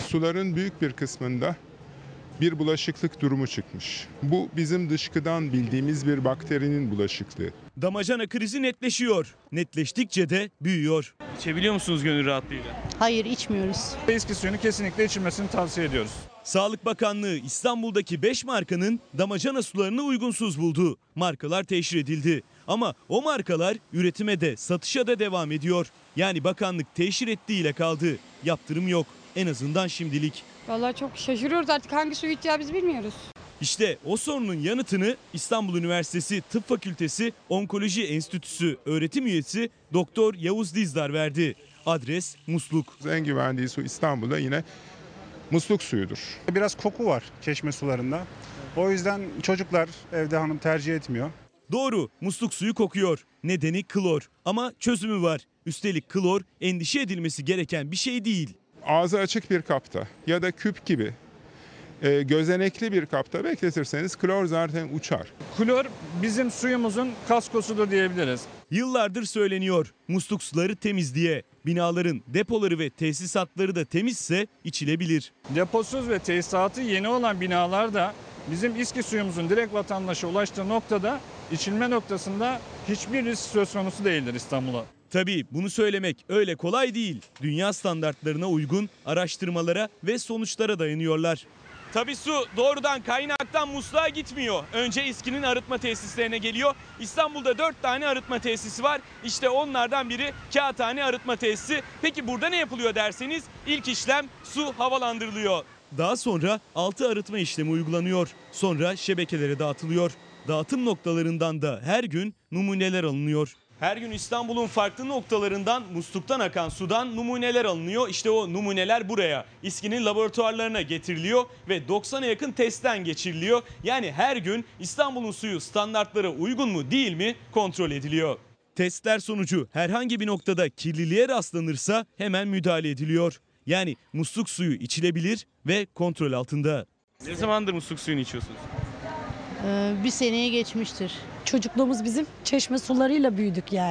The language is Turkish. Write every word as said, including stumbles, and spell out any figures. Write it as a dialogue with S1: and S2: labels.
S1: suların büyük bir kısmında bir bulaşıklık durumu çıkmış. Bu bizim dışkıdan bildiğimiz bir bakterinin bulaşıklığı.
S2: Damacana krizi netleşiyor. Netleştikçe de büyüyor. İçebiliyor musunuz gönül rahatlığıyla?
S3: Hayır, içmiyoruz.
S4: Eski suyunu kesinlikle içilmesini tavsiye ediyoruz.
S2: Sağlık Bakanlığı İstanbul'daki beş markanın damacana sularını uygunsuz buldu. Markalar teşhir edildi. Ama o markalar üretime de satışa da devam ediyor. Yani bakanlık teşhir ettiğiyle kaldı. Yaptırım yok. En azından şimdilik.
S5: Vallahi çok şaşırıyoruz, artık hangi suyu içeceğimizi bilmiyoruz.
S2: İşte o sorunun yanıtını İstanbul Üniversitesi Tıp Fakültesi Onkoloji Enstitüsü öğretim üyesi Doktor Yavuz Dizdar verdi. Adres musluk.
S1: En güvendiği su İstanbul'da yine musluk suyudur.
S6: Biraz koku var çeşme sularında. O yüzden çocuklar evde hanım tercih etmiyor.
S2: Doğru, musluk suyu kokuyor. Nedeni klor. Ama çözümü var. Üstelik klor endişe edilmesi gereken bir şey değil.
S1: Ağzı açık bir kapta ya da küp gibi e, gözenekli bir kapta bekletirseniz klor zaten uçar.
S4: Klor bizim suyumuzun kaskosudur diyebiliriz.
S2: Yıllardır söyleniyor musluk suları temiz diye. Binaların depoları ve tesisatları da temizse içilebilir.
S4: Deposuz ve tesisatı yeni olan binalarda bizim İSKİ suyumuzun direkt vatandaşa ulaştığı noktada içilme noktasında hiçbir risk söz konusu değildir İstanbul'a.
S2: Tabii bunu söylemek öyle kolay değil. Dünya standartlarına uygun araştırmalara ve sonuçlara dayanıyorlar. Tabii su doğrudan kaynaktan musluğa gitmiyor. Önce İSKİ'nin arıtma tesislerine geliyor. İstanbul'da dört tane arıtma tesisi var. İşte onlardan biri Kağıthane Arıtma Tesisi. Peki burada ne yapılıyor derseniz ilk işlem su havalandırılıyor. Daha sonra altı arıtma işlemi uygulanıyor. Sonra şebekelere dağıtılıyor. Dağıtım noktalarından da her gün numuneler alınıyor. Her gün İstanbul'un farklı noktalarından musluktan akan sudan numuneler alınıyor. İşte o numuneler buraya İSKİ'nin laboratuvarlarına getiriliyor ve doksana yakın testten geçiriliyor. Yani her gün İstanbul'un suyu standartlara uygun mu değil mi kontrol ediliyor. Testler sonucu herhangi bir noktada kirliliğe rastlanırsa hemen müdahale ediliyor. Yani musluk suyu içilebilir ve kontrol altında. Ne zamandır musluk suyunu içiyorsunuz?
S3: Ee, bir seneye geçmiştir.
S7: Çocukluğumuz bizim çeşme sularıyla büyüdük yani.